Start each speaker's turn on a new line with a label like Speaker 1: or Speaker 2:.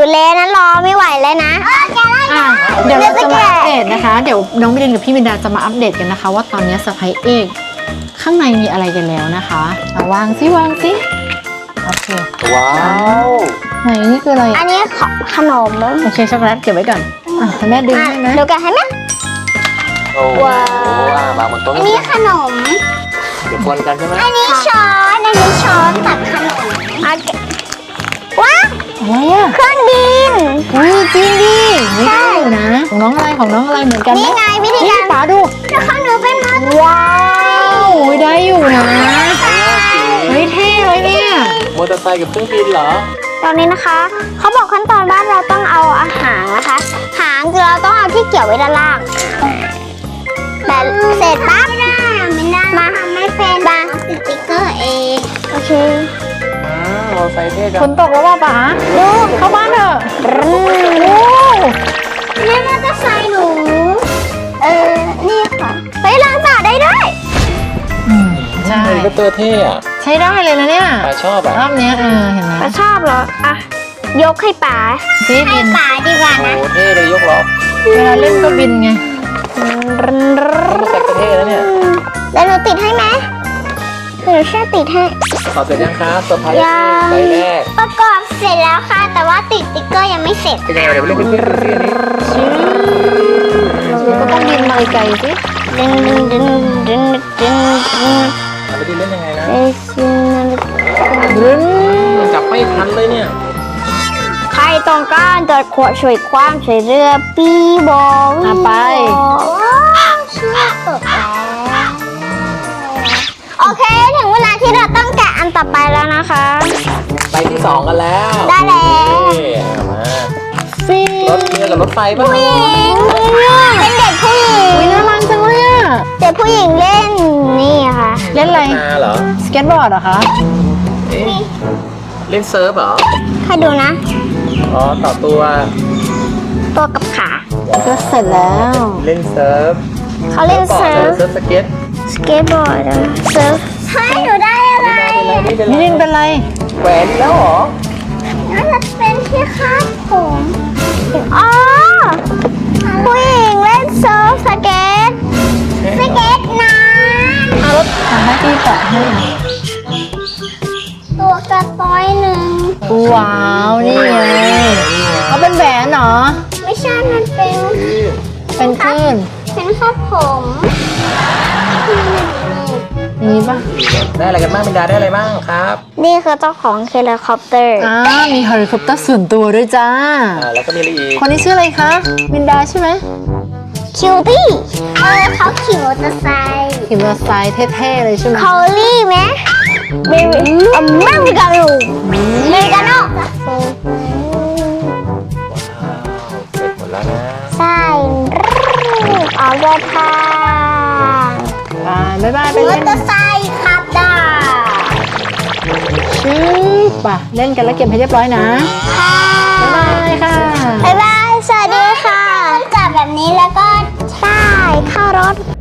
Speaker 1: เลยนะรอไม่ไหวเลยนะ
Speaker 2: เดี๋ยวเราจะมาอัปเดตนะคะเดี๋ยวน้องมิลินกับพี่มินดาจะมาอัปเดตกันนะคะว่าตอนนี้เซอร์ไพรส์เอกข้างในมีอะไรกันแล้วนะคะเอาวางสิโอเค
Speaker 3: ว้าว
Speaker 2: ไหนนี่คืออะไร
Speaker 1: อันนี้ขนม
Speaker 2: โอเคช็อกโกแลตเก็บไว้ก่อนให้แม่ดึงให้ไหม
Speaker 1: ดูกันให้ไหม
Speaker 3: โอ้โหวางบนโต๊ะ
Speaker 1: อันนี้ขนม
Speaker 3: เดี๋ยวคนกันใช่ไหม
Speaker 1: อันนี้ช้อนตักขนมว้า
Speaker 2: อะไรอ่ะ
Speaker 1: เครื่องบิน
Speaker 2: อุ้ยจริงดิไม่ได้อยู่นะของน้องอะไรเหมือนกันไหม
Speaker 1: นี่ไงวิธีการ
Speaker 2: ป๋าดู
Speaker 1: แล้วข้างหนูเป็นมัน
Speaker 2: ว้าวได้อยู่นะเฮ้ยเท่เลยเนี่ย
Speaker 3: มอเตอร์ไซค์กับเครื่องบินเหรอ
Speaker 1: ตอนนี้นะคะเขาบอกขั้นตอนว่าเราต้องเอาอาหารนะคะหางเราต้องเอาที่เกี่ยวไว้ด้านล่างแต่เสร็จปั๊บมาไม่เป็นมาติดสติ๊กเกอร์เองโอเค
Speaker 3: มอเตอร์ไซค์เท่จั
Speaker 2: ฝ
Speaker 3: ง
Speaker 2: นตกแล้วว่าป๋าดูเข้าบ้านเถอะโอ้
Speaker 1: นี่มอเตอร์ไซค์หนูนี่ค่ะไปล้างจานได้ด้วย
Speaker 2: ใช่
Speaker 3: เฮลิคอปเตอร์เท่อะ
Speaker 2: ใช้ได้เลยนะเนี่ย
Speaker 3: ปาชอบอ่ะ
Speaker 2: รอบเนี้ยเห็นไหม
Speaker 1: ป้าชอบเหรออ่ะยกให้ป๋า
Speaker 2: ซีบิน
Speaker 1: ป๋าดีกว่า
Speaker 3: โอ้
Speaker 1: นะ
Speaker 3: เท่เลยยกล้อ
Speaker 2: เวลาเล่นก็บินไง
Speaker 3: มอเตอร์ไซค์ก็เท่แล้วเนี่ย
Speaker 1: แล้วหนูติดให้ไหมหนูช่วยติดให้
Speaker 3: ต่อเสร็จยังครับเซอร์ไพรส์
Speaker 1: ยัง
Speaker 3: ใบแรก
Speaker 1: ประกอบเสร็จแล้วค่ะ แต่ว่าติดสติ๊กเกอร์ยังไม่เสร็จ
Speaker 3: เป็นไงเดี๋ยวไปเล่นเครื่องบินนี้
Speaker 2: เราก็ต้องบินมาไกลๆสิ
Speaker 1: ดึง
Speaker 3: ไปดิเล่นยังไงนะ
Speaker 2: รึน
Speaker 3: มันจับไม่ทันเลยเนี่ย
Speaker 1: ใครต้องการจะขวดช่วยความช่วยเรือปีบอก
Speaker 2: ไป
Speaker 1: เชื่อตกแล้วโอเคถึงเวลาที่เราต้องแกะอันต่อไปแล้วนะคะ
Speaker 3: ไปที่ 2 กันแล้ว
Speaker 1: ได้แล้ว
Speaker 3: นี่มา
Speaker 2: ฟี
Speaker 3: รถเรือกับรถไฟป่ะ
Speaker 1: ผู้หญิงเป็นเด็กผู้หญิง
Speaker 2: อุ๊ยน่ารักจังเลยอะ
Speaker 1: เด็กผู้หญิงเล่นนี่ค่ะ
Speaker 2: เล่นอะไร
Speaker 3: มาเหรอ
Speaker 2: สเก็ตบอร์ดเหรอคะ
Speaker 3: เอ๊ะเล่นเซิร์ฟเหรอ
Speaker 1: ให้ดูนะ
Speaker 3: อ๋อต่อตัว
Speaker 1: ตัวกับขา
Speaker 2: ก็เสร็จแล้ว
Speaker 3: เล่นเซิร์ฟ
Speaker 1: เขาเล่นเซิร์ฟ
Speaker 3: เซิร์ฟสเก็ต
Speaker 1: สเก็ตบอร์ดเซิร์ฟให้หนูได้อะไร
Speaker 3: นี่เป็น
Speaker 2: มิลินเป็นไร
Speaker 3: แหวนอีกแล้วเหรอ
Speaker 1: น่าจะเป็นที่คาดผมอ๋อผู้หญิงเล่นเซิร์ฟสเก็ตน้
Speaker 2: เอารถให้พี่แปะให้
Speaker 1: ำตัวกระต้อยหนึ่ง
Speaker 2: ว้าวนี่ไงเอาเป็นแหวนเหรอ
Speaker 1: ไม่ใช่มันเป็น
Speaker 2: เป็นคลื่น
Speaker 1: คาดผม
Speaker 2: นี้ปะ
Speaker 3: ได้อะไรกันบ้างมินดาได้อะไรบ้างครับ
Speaker 1: นี่คือเจ้าของเฮลิคอปเตอร์
Speaker 2: มีเฮลิคอปเตอร์ส่วนตัวด้วยจ้า
Speaker 3: แล้วก็มีอะไรอีก
Speaker 2: คนนี้ชื่ออะไรคะมินดาใช่ไหม
Speaker 1: คิวตี้เขาขี่มอเตอร์ไซค์
Speaker 2: ขี่มอเตอร์ไซค์เท่ๆเลยใช่ไหม
Speaker 1: คอลลี่ไหมอเมริกาโน่อเมริกาโน่
Speaker 3: เสร็จหมดแล้วนะ
Speaker 1: ใช่ออกเดินทาง
Speaker 2: บ๊ายบายไป
Speaker 1: มอ
Speaker 2: เล่น
Speaker 1: เตอร์ไซค์ขับได้
Speaker 2: ชิปป่ะเล่นกันแล้วเก็บให้เรียบร้อยนะ
Speaker 1: ค่ะ
Speaker 2: บ๊ายบายค่ะ
Speaker 1: บ๊ายบาย สวัสดีค่ะจับแบบนี้แล้วก็ใช่เข้ารถ